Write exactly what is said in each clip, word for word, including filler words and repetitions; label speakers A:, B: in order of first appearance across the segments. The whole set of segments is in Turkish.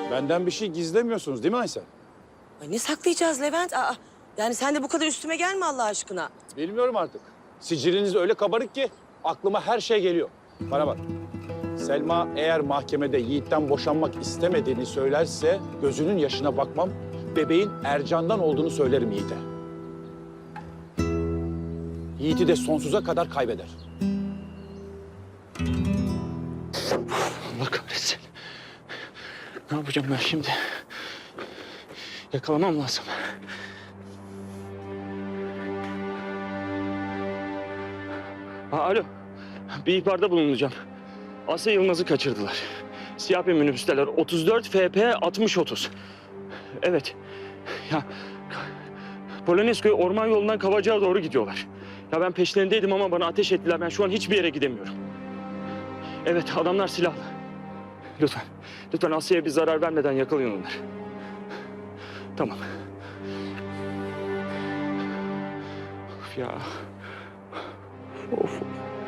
A: Benden bir şey gizlemiyorsunuz değil mi Aysel?
B: Ay ne saklayacağız Levent? Aa, yani sen de bu kadar üstüme gelme Allah aşkına.
A: Bilmiyorum artık. Siciliniz öyle kabarık ki aklıma her şey geliyor. Bana bak. Selma eğer mahkemede Yiğit'ten boşanmak istemediğini söylerse gözünün yaşına bakmam. Bebeğin Ercan'dan olduğunu söylerim Yiğit'e. Yiğit'i de sonsuza kadar kaybeder.
C: Allah kahretsin. Ne yapacağım ben şimdi? Yakalamam lazım. Ha, alo. Bir ihbarda bulunacağım. Asya Yılmaz'ı kaçırdılar. Siyah bir minibüsteler. otuz dört F P altmış otuz. Evet. Ya Polonezköy orman yolundan Kavacık'a doğru gidiyorlar. Ya ben peşlerindeydim ama bana ateş ettiler. Ben şu an hiçbir yere gidemiyorum. Evet, adamlar silahlı. Lütfen, lütfen Asya'ya bir zarar vermeden yakalayın onları. Tamam. Of ya. Of.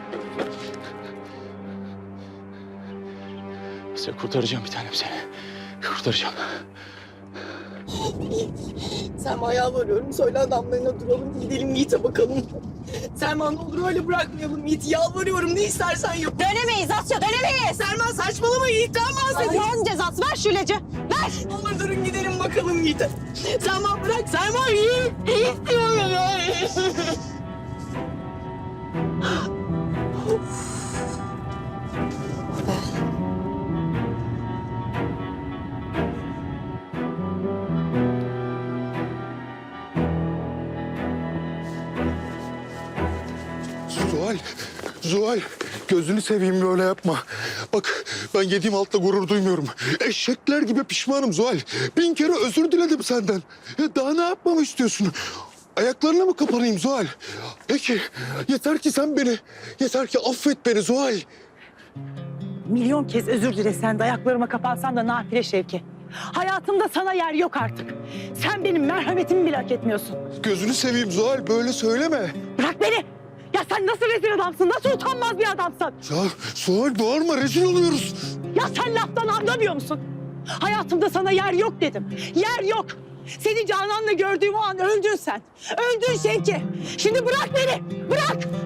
C: Asya, kurtaracağım bir tanem seni. Kurtaracağım.
D: Selma yalvarıyorum. Söyle adamlarına duralım. Gidelim Yiğit'e bakalım. Selma ne olur öyle bırakmayalım Yiğit'i. Yalvarıyorum. Ne istersen yap.
B: Dönemeyiz Asya, dönemeyiz.
D: Selma saçmalama Yiğit'ten bahsediyorum.
B: Allah'ın cezası, ver şu ilacı. Ver.
D: Ne olur durun gidelim bakalım Yiğit'e. Selma bırak. Selma Yiğit. Yiğit diyorum ya.
E: Zuhal, Zuhal gözünü seveyim böyle yapma. Bak ben yediğim altla gurur duymuyorum. Eşekler gibi pişmanım Zuhal. Bin kere özür diledim senden. Ya daha ne yapmamı istiyorsun? Ayaklarına mı kapanayım Zuhal? Peki yeter ki sen beni, yeter ki affet beni Zuhal.
F: Milyon kez özür dilesen de ayaklarıma kapansam da nafile Şevki. Hayatımda sana yer yok artık. Sen benim merhametimi bile hak etmiyorsun.
E: Gözünü seveyim Zuhal böyle söyleme.
F: Bırak beni! Ya sen nasıl rezil adamsın, nasıl utanmaz bir adamsın?
E: Ya Zuhal bağırma rezil oluyoruz.
F: Ya sen laftan anlamıyor musun? Hayatımda sana yer yok dedim. Yer yok. Seni Canan'la gördüğüm o an öldün sen. Öldün Şevki. Şimdi bırak beni, bırak!